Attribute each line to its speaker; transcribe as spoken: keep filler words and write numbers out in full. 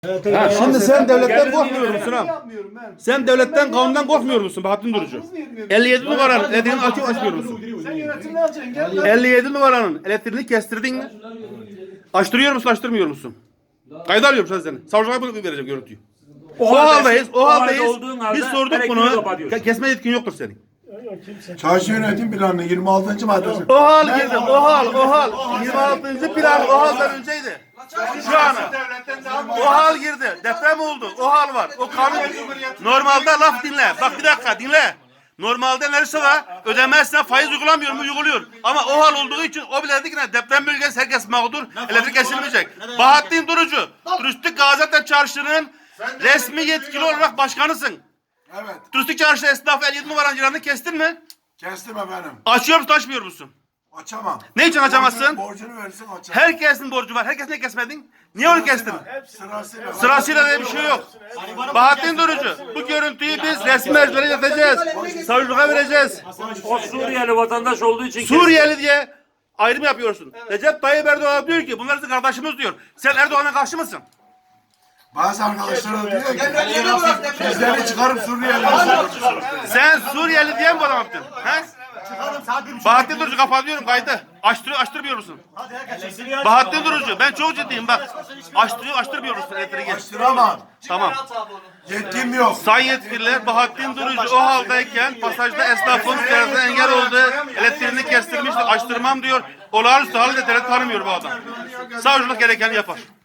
Speaker 1: Ha, şimdi sen devletten korkmuyor musun ha?
Speaker 2: Yapmıyorum ben.
Speaker 1: Sen devletten, kanundan korkmuyor musun Bahattin Durucu? elli yedi numaranın elektriğini açıp açmıyor musun?
Speaker 2: Sen yönetimini alacaksın. Gel lan.
Speaker 1: elli yedi numaranın elektriğini kestirdin mi? Açtırıyor musun, açtırmıyor musun? Kayda alıyorum şu an seni. Savcılığa bunu vereceğim görüntüyü. O haldayız, o haldayız. Biz sorduk bunu. Ke- Kesme yetkin yoktur senin.
Speaker 3: Çarşı yönetim planının yirmi altıncı maddesi.
Speaker 1: O hal girdi, o hal, o hal. yirmi altıncı plan o halden önceydi. Şu an o hal girdi. Deprem oldu. O hal var. O kanun. Normalde laf dinle. Bak bir dakika dinle. Normalde neresi var? Ödemezsen faiz uygulamıyor mu? Uyguluyor. Ama o hal olduğu için o bile dedi ki ne? Deprem bölgesi herkes mağdur. Elektrik kesilmeyecek. Bahattin Durucu. Turistik Gaziantep Çarşı'nın resmi yetkili olarak başkanısın.
Speaker 3: Evet.
Speaker 1: Turistik Çarşı esnafı elli yedi numaranın ciranını kestin mi?
Speaker 3: Kestim efendim.
Speaker 1: Açıyor musun, açmıyor musun?
Speaker 3: Açamam.
Speaker 1: Ne için açamazsın?
Speaker 3: Borcunu, borcunu verirsin açamam.
Speaker 1: Herkesin borcu var. Herkes ne kesmedin? Niye onu kestin?
Speaker 3: Sırasıyla.
Speaker 1: Sırasıyla diye bir şey yok. Bahattin Durucu, bu görüntüyü biz resmi mercilere ileteceğiz. Savcılığa vereceğiz.
Speaker 4: O Suriyeli vatandaş olduğu için
Speaker 1: Suriyeli diye ayrım yapıyorsun. Recep Tayyip Erdoğan diyor ki bunlar bizim kardeşimiz diyor. Sen Erdoğan'a karşı mısın?
Speaker 3: Bazı arkadaşlar da diyor ki bizleri çıkarıp Suriyeli'ye.
Speaker 1: Sen Suriyeli diye mi bu adam yaptın? He? Bahattin Durucu kapatıyorum kaydı. Açtır, açtırmıyor musun? Bahattin Durucu ben çok ciddiyim bak. Açtırıyor, açtırmıyor musun elektriği?
Speaker 3: Açtıramam.
Speaker 1: Tamam.
Speaker 3: Yetkim yok.
Speaker 1: Sayın yetkililer Bahattin Durucu o haldeyken pasajda esnafın ziyaretine engel oldu. Elektriğini kestirmişti. Açtırmam diyor. Olağanüstü halde devlet tanımıyor bu adam. Savcılık gerekeni yapar.